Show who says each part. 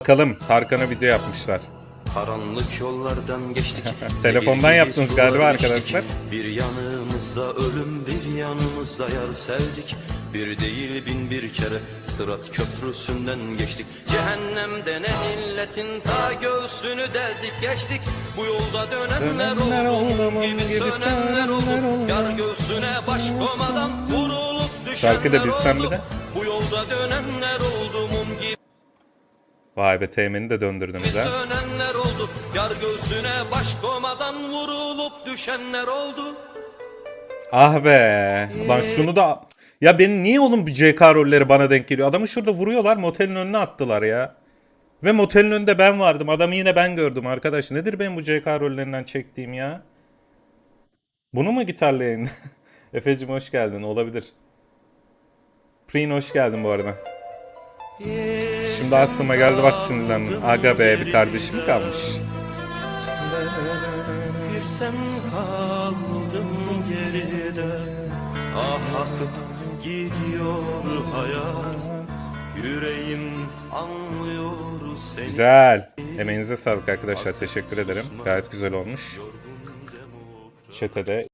Speaker 1: Bakalım Tarkan'a video yapmışlar.
Speaker 2: Karanlık yollardan geçtik.
Speaker 1: Telefondan yaptınız galiba arkadaşlar.
Speaker 2: Bir yanımızda ölüm, bir yanımızda yar sevdik. Bir değil bin bir kere Sırat köprüsünden geçtik. Cehennem denen illetin ta göğsünü deldik geçtik. Bu yolda dönenler oldu, mum gibi sönenler oldu. Yar göğsüne baş komadan vurulup
Speaker 1: Şarkı da
Speaker 2: düşenler
Speaker 1: bilsem
Speaker 2: oldu.
Speaker 1: bir de.
Speaker 2: Bu yolda dönenler oldu, mum gibi
Speaker 1: Vay be, teğmeni de döndürdünüz ha.
Speaker 2: sönenler oldu. Yar göğsüne baş komadan vurulup düşenler oldu.
Speaker 1: Ah be. Ulan şunu da... Ya benim niye oğlum bu CK rolleri bana denk geliyor? Adamı şurada vuruyorlar, motelin önüne attılar ya. Ve motelin önünde ben vardım. Adamı yine ben gördüm arkadaş. Nedir benim bu CK rollerinden çektiğim ya? Bunu mu gitarla yayın? Efe'cim hoş geldin. Olabilir. Prin hoş geldin bu arada. Şimdi aklıma geldi, bak sinirlendim. Aga be, bir kardeşim kalmış.
Speaker 2: Bir sen kaldın geride. Ah akıp gidiyor hayat. Yüreğim anlıyor seni.
Speaker 1: Güzel. Emeğinize sağlık arkadaşlar. Teşekkür ederim. Gayet güzel olmuş. Chat'e de